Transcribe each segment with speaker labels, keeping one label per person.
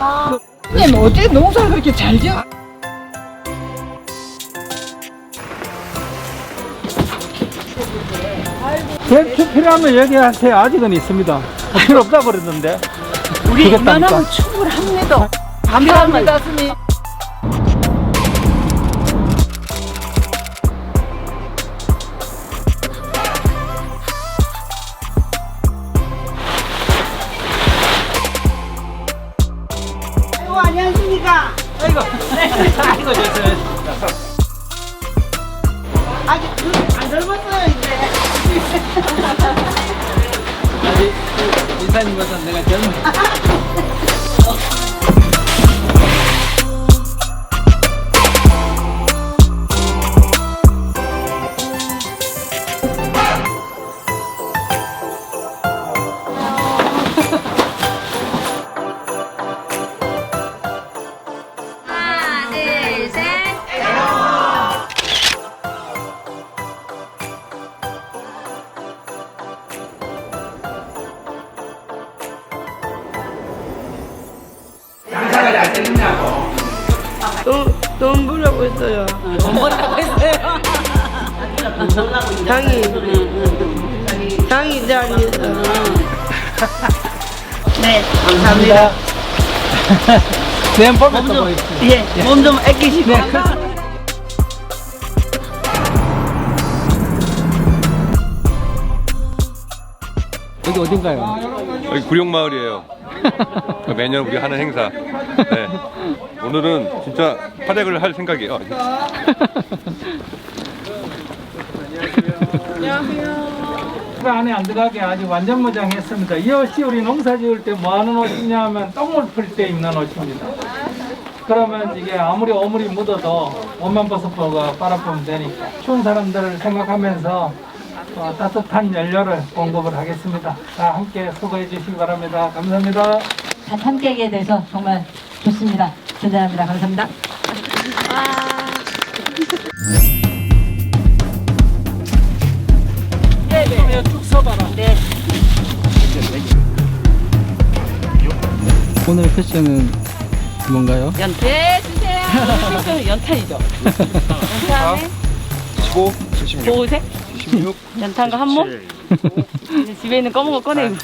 Speaker 1: 선생님 어떻게 농사를 그렇게 잘 지어?
Speaker 2: 대추 필요하면 얘기하세요. 아직은 있습니다. 필요 없다 그랬는데.
Speaker 1: 우리
Speaker 2: 주겠다니까.
Speaker 1: 이만하면 충분합니다. 감사합니다, 스님.
Speaker 3: 아이고, 안녕하십니까.
Speaker 2: 아이고, 아이고, 좋습니다.
Speaker 3: 아직 안 젊었어요, 이제.
Speaker 2: 아직 인사님보다 내가 젊은.
Speaker 4: 하나, 둘, 셋.
Speaker 5: 돈 벌라고 했어요.
Speaker 3: 돈 벌라고 했어요.
Speaker 5: 장이 자리에서.
Speaker 3: 네, 감사합니다.
Speaker 2: 내일 보면 또 보겠습니다.
Speaker 3: 예, 몸 좀 아끼시고.
Speaker 2: 여기 어딘가요?
Speaker 6: 여기 구룡마을이에요. 매년 우리 하는 행사. 네. 오늘은 진짜 활약을 할 생각이에요.
Speaker 2: 그 안에 안 들어가게 아주 완전 무장했습니다. 이 옷이 우리 농사 지을 때 뭐 하는 옷이냐 하면 똥을 풀 때 입는 옷입니다. 그러면 이게 아무리 오물이 묻어도 옷만 벗어보고 빨아보면 되니까 추운 사람들을 생각하면서 따뜻한 연료를 공급을 하겠습니다. 다 함께 수고해 주시기 바랍니다. 감사합니다.
Speaker 7: 다 함께하게 돼서 정말 좋습니다. 대단합니다. 감사합니다.
Speaker 2: 쭉 서봐라. 네. 오늘 패션은 뭔가요?
Speaker 1: 네, 주세요. 연탄이죠. 연탄에
Speaker 6: 15, 76,
Speaker 1: 보호색,
Speaker 6: 16,
Speaker 1: 연탄과 한몸. 이제 집에 있는 검은 거 꺼내고.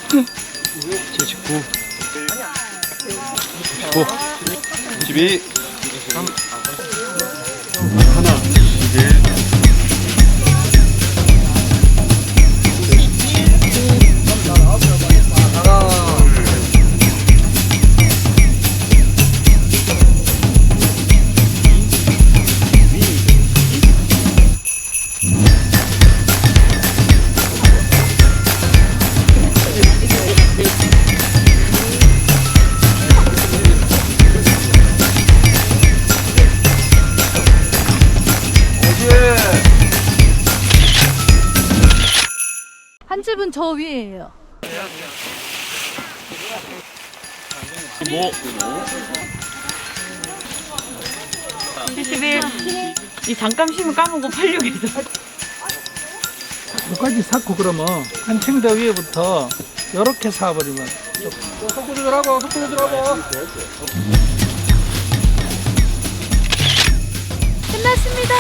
Speaker 6: 79, 95, 22, 3, 하나, 1.
Speaker 4: 한 집은 저 위에요.
Speaker 1: 이 잠깐 쉬면 까먹고 팔려고
Speaker 2: 여기까지 쌓고 그러면 한 침대 위에부터 이렇게 쌓아버리면 속구 조절하고 속구 조절하고
Speaker 4: 끝났습니다.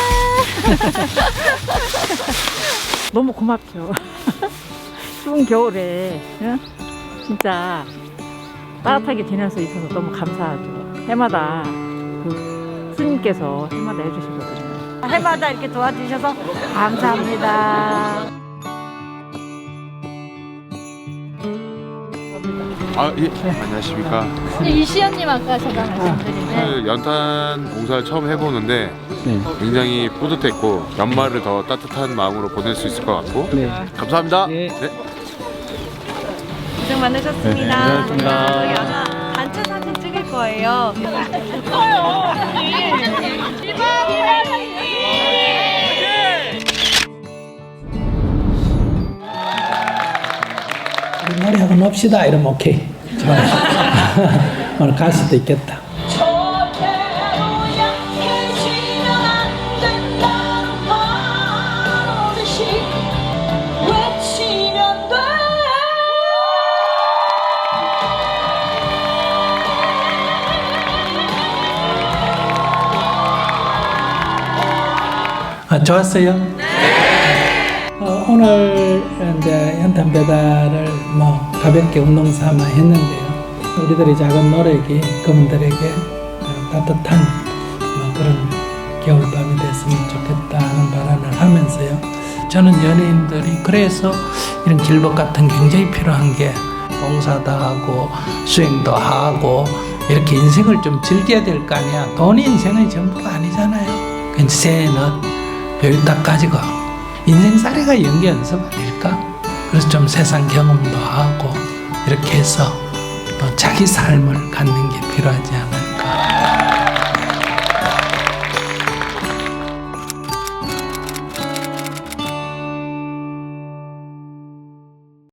Speaker 1: 너무 고맙죠. 추운 겨울에 진짜 따뜻하게 지낼 수 있어서 너무 감사하죠. 해마다 그 스님께서 해마다 해주시거든요. 해마다 이렇게 도와주셔서 감사합니다.
Speaker 8: 안녕하십니까.
Speaker 4: 이시연님 아까 제가 말씀드린
Speaker 8: 연탄 봉사를 처음 해보는데 굉장히 뿌듯했고 연말을 더 따뜻한 마음으로 보낼 수 있을 것 같고 감사합니다.
Speaker 2: 네.
Speaker 4: 고생 많으셨습니다. 저희 아마 단체 사진 찍을 거예요.
Speaker 9: 노래 한번 합시다 이러면 오케이. 오늘 갈 수도 있겠다. 좋았어요? 네. 오늘 이제 연탄 배달을 뭐 가볍게 운동 삼아 했는데요. 우리들의 작은 노력이 그분들에게 따뜻한 뭐 그런 겨울밤이 됐으면 좋겠다 하는 바람을 하면서요. 저는 연예인들이 그래서 이런 길복 같은 굉장히 필요한 게 봉사도 하고 수행도 하고 이렇게 인생을 좀 즐겨야 될 거 아니야. 돈이 인생의 전부가 아니잖아요. 그냥 새는 여유 딱 가지고 인생살이가 연기 연습 아닐까? 그래서 좀 세상 경험도 하고 이렇게 해서 또 자기 삶을 갖는 게 필요하지 않아요.